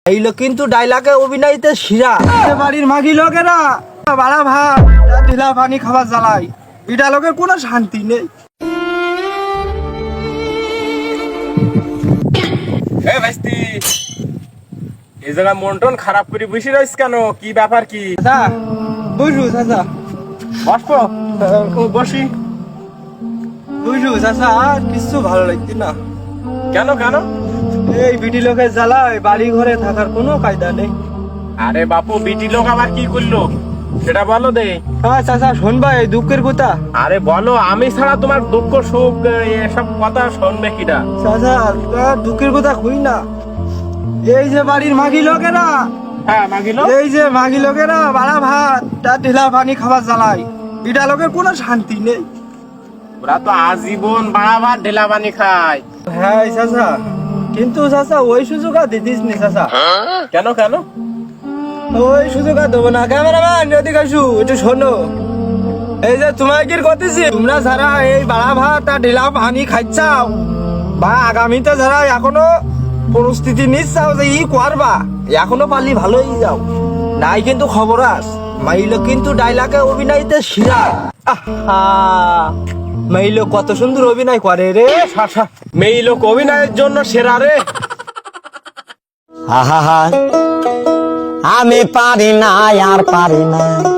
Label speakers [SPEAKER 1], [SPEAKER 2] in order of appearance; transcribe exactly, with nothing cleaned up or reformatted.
[SPEAKER 1] এই লোক কিন্তু ডায়লগে অভিনয়তে শিরা। বাড়ির মাগি লোকেরা বাড়া ভাত ঢিলা পানি খাবার জ্বালাই, এটা লোকের কোনো শান্তি নেই।
[SPEAKER 2] এ ভাইস্তি, এই জায়গা মন টন খারাপ করে বসে রইস কেন? কি ব্যাপার কি?
[SPEAKER 1] চাচা বুঝু, চাচা
[SPEAKER 2] বসবো বসি।
[SPEAKER 1] বুঝু চাচা, আর কিছু ভালো লাগছে না।
[SPEAKER 2] কেন কেন?
[SPEAKER 1] এই বিটি লোকের জ্বালায় বাড়ি ঘরে থাকার কোনো কায়দা নেই।
[SPEAKER 2] আরে বাপু, বিটি লোক আবার কি করলো সেটা বলো দে।
[SPEAKER 1] হ্যাঁ চাচা, শুনবা এই দুঃখের কথা?
[SPEAKER 2] আরে বলো, আমি ছাড়া তোমার দুঃখ সুখ এসব কথা শুনবে কিনা?
[SPEAKER 1] চাচা তার দুঃখের কথা কই না। এই যে বাড়ির মাগি লোকেরা,
[SPEAKER 2] হ্যাঁ মাগিলো,
[SPEAKER 1] এই যে মাগি লোকেরা বাড়া ভাত তার ঢিলা পানি খাবার জ্বালাই, এটা লোকের কোনো শান্তি নেই।
[SPEAKER 2] ওরা তো আজীবন বাড়া ভাত ঢেলা পানি খায়।
[SPEAKER 1] হ্যাঁ চাচা, কিন্তু চাচা ওই সুযোগ আর দিদিস নি চাচা।
[SPEAKER 2] কেন কেন?
[SPEAKER 1] ওই সুযোগ আর দেবো না। ক্যামেরাম্যান এদিকে আসু, একটু শোনো। এই যে তোমায় কি করতেছি, তোমরা যারা এই বাড়া ভাত আর ঢিলা পানি খাইছাও বা আগামীতে যারা এখনো পরিস্থিতি নিচ্ছাও যে ই করবা, এখনো পারলি ভালোই যাও, নাই কিন্তু খবর আস। মাইলো কিন্তু ডায়লগে অভিনয়তে শিরা। আহা, মাইলো কত সুন্দর অভিনয় করে রে।
[SPEAKER 2] মেয়ে লোক অভিনয়ের জন্য সেরা রে।
[SPEAKER 3] আহা, আমি পারি না আর পারি না।